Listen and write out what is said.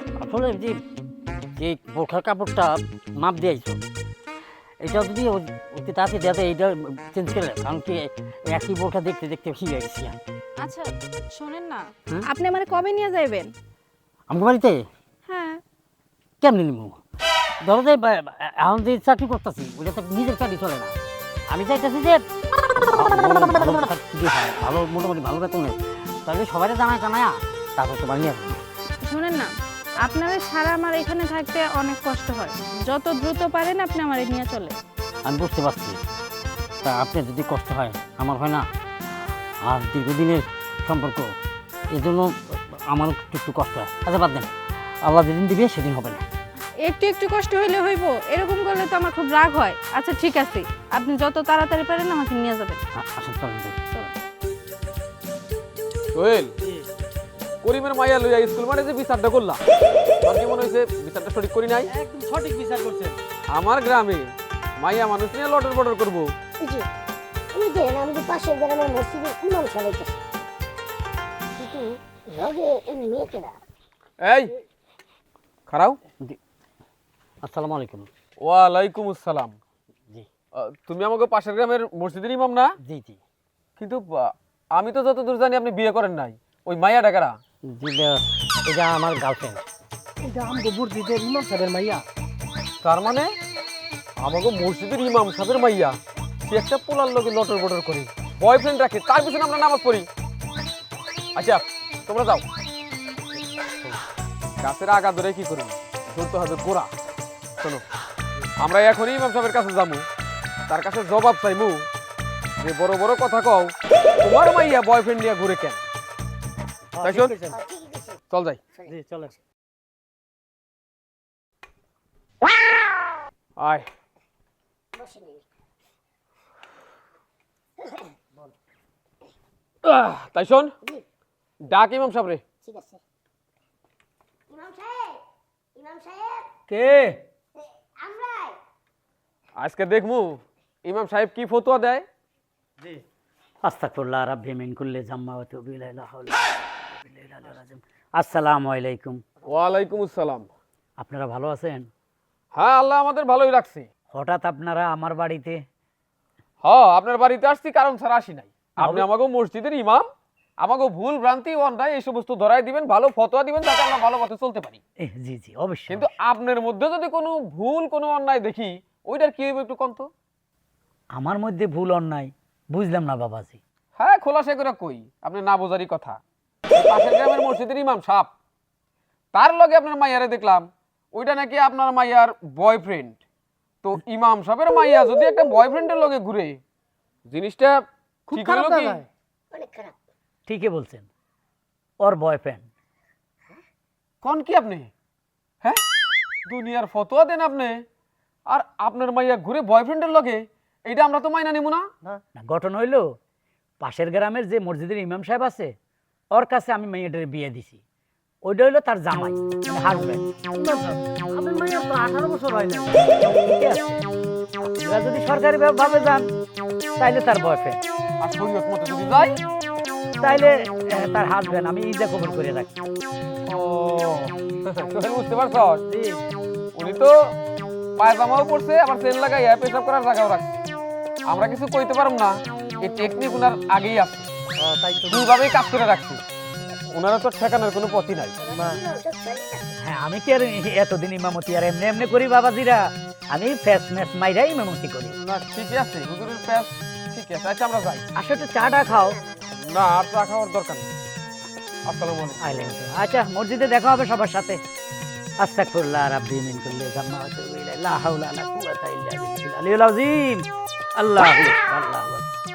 আসলে যে যে বোরখার কাপড়টা মাপ দিয়েছো, এটা যদি অতি তাড়াতাড়ি দেওয়া এইটা চেঞ্জ করে, কারণ কি একই বোরখা দেখতে দেখতে ঠিক হয়ে গেছি। আচ্ছা শোনেন না, হ্যাঁ? আপনি আমার কবে নিয়ে যাইবেন? আমার বাড়িতে হ্যাঁ। কেমনি নিব? ধরো যে এখন যে চাকরি করতেছি ওইটা তো নিজের চাকরি চলে না। আমি চাইতেছি যে ভালো মোটামুটি ভালো বেতনে, তাহলে সবাই জানায় তারপর তোমার নিয়ে আসবো। শোনেন না, আপনারা সারা আমার এখানে থাকতে অনেক কষ্ট হয়, যত দ্রুত পারেন আপনি আমার নিয়ে চলে। আমি বুঝতে পারছি, তা আপনার যদি কষ্ট হয় আমার হয় না, আর দীর্ঘদিনের সম্পর্ক, এজন্য আমার একটু একটু কষ্ট হয়। আচ্ছা বাদ দেন, আল্লাহ যেদিন দিবে সেদিন হবে না। একটু একটু কষ্ট হইলে হইব, এরকম করলে তো আমার খুব রাগ হয়। আচ্ছা ঠিক আছে, আপনি যত তাড়াতাড়ি পারেন আমাকে নিয়ে যাবেন। আসেন চলেন যাই। চলো। সোহেল, করিমের মাইয়া লইয়া স্কুল মানে যে বিচারটা করলাম, তোর কি মনে হয়েছে বিচারটা সঠিক করি নাই? একদম সঠিক বিচার করছেন। আমার গ্রামে মাইয়া মানুষ নিয়ে লটর বটর করবো? জি, ওই যে আমাদের পাশের গ্রামের মসজিদের ইমাম সাহেব কিন্তু লগে মেয়েকেরা। এই খারাও। আসসালামু আলাইকুম। ওয়ালাইকুম আসসালাম। জি তুমি আমাকে পাশের গ্রামের মসজিদের ইমাম না? জি জি কিন্তু আমি তো যতদূর জানি আপনি বিয়ে করেন নাই। ওই মাইয়া ডাকারা? জি, এটা আমার গার্লফ্রেন্ড। এটা আমগো মসজিদের ইমাম সাহেবের মাইয়া। তার মানে আমাকে মসজিদের ইমাম সাহেবের মাইয়া সে একটা পোলার লোকে লটর বটর করে বয়ফ্রেন্ড রাখে, তার পিছনে আমরা নামাজ পড়ি। আচ্ছা তোমরা যাও, গাছের আগা ধরে কি করবি, ধরতে হবে গোড়া। শোনো, আমরা এখনই ইমাম সাহেবের কাছে যাবো, তার কাছে জবাব চাইমু যে বড় বড় কথা কও, তোমার মাইয়া বয়ফ্রেন্ড নিয়ে ঘুরে কেন? তাই শোন, চল যাই। জি চলেন। আয়। তাই শোন, ডাক ইমাম সাহেব রে। ঠিক আছে। ইমাম সাহেব, ইমাম সাহেব, কে? আমরাই। আজকে দেখমু ইমাম সাহেব কি ফতোয়া দেয়। জি আস্তাগফিরুল্লাহ রাব্বি মিন কুল্লি যাম্মা ওয়া তুবু ইলাইহি লা হাওলা ওয়া লা কুওয়াতা ইল্লা বিল্লাহ। আসসালামু আলাইকুম। ওয়ালাইকুম আসসালাম। আপনারা ভালো আছেন? হ্যাঁ, আল্লাহ আমাদের ভালোই রাখছে। হঠাৎ আপনারা আমার বাড়িতে? হ্যাঁ, আপনার বাড়িতে আসছি কারণ ছাড়া আসি নাই। আপনি আমাকে মসজিদের ইমাম, আমাকে ভুল ভ্রান্তি অন্যায় এই সমস্ত ধরাই দিবেন, ভালো ফতোয়া দিবেন, যাতে আমরা ভালো পথে চলতে পারি। জি জি অবশ্যই। কিন্তু আপনার মধ্যে যদি কোনো ভুল কোনো অন্যায় দেখি, ওইটার কি হবে একটু কন্ত? আমার মধ্যে ভুল অন্যায় বুঝলাম না বাবাজি। হ্যাঁ, খোলাসা করে কই, আপনি না বোঝারই কথা। ওই পাশের গ্রামের মসজিদের ইমাম সাহেব, তার লগে আপনার মাইয়ারে দেখলাম, ওইটা নাকি আপনার মাইয়ার বয়ফ্রেন্ড। তো ইমাম সাহেবের মাইয়া যদি একটা বয়ফ্রেন্ডের লগে ঘুরে, জিনিসটা খুব ঠিক খারাপ হলো কি? দেখায়। অনেক খারাপ। ঠিকই বলছেন, ওর বয়ফ্রেন্ড। কোন কি আপনি? হ্যাঁ, দুনিয়ার ফতোয়া দেন আপনি, আর আপনার মাইয়া ঘুরে বয়ফ্রেন্ডের লগে, এইটা আমরা তো মাইনা নিব না। না গঠন হইলো, পাশের গ্রামের যে মসজিদের ইমাম সাহেব আছে ওর কাছে আমি মেয়েটার বিয়ে দিছি। ওইটা হইলো তার জামাই, মানে হাজব্যান্ড। ইমাম সাহেব, আপনার মাইয়ার তো 18 বছর হয় না। এরা যদি সরকারি ভাবে যান তাইলে তার বয়ফ্রেন্ড, আর শরীয়ত মতো যদি যাই, তাইলে তার হাজব্যান্ড। আমি ইজা খবর করে রাখি। ও সোহেল, বুঝতে পারছো? উনি তো পায়জামাও পড়ছে, আবার সেল লাগাইয়া পেশাব করার জায়গাও রাখছে। আমরা কিছু কইতে পারব না, এই টেকনিক উনার আগেই আছে, তাই তো দুইভাবেই কাজ করে রাখছে। ওনারা তো ঠেকানোর কোনো পথই নাই। হ্যাঁ, আমি কি আর এতদিন ইমামতি আর এমনি এমনি করি বাবাজিরা? আমি ফেস ম্যাচ মাইরাই ইমামতি করি। না ঠিকই আছে, হুজুরের প্যাস ঠিক আছে। আচ্ছা আমরা যাই। আসলে চাটা খাও। না, আর চা খাওয়ার দরকার নেই। আসসালামু আলাইকুম। আলাইকুম। আচ্ছা, মসজিদে দেখা হবে সবার সাথে। আস্তাগফিরুল্লাহ রাব্বি মিন কুল্লি যাম্মা ওয়া তুবু ইলাইহি লা হাওলা ওয়া লা কুওয়াতা ইল্লা বিল্লাহিল আলিয়্যিল আযীম। আল্লাহু আকবার, আল্লাহু আকবার।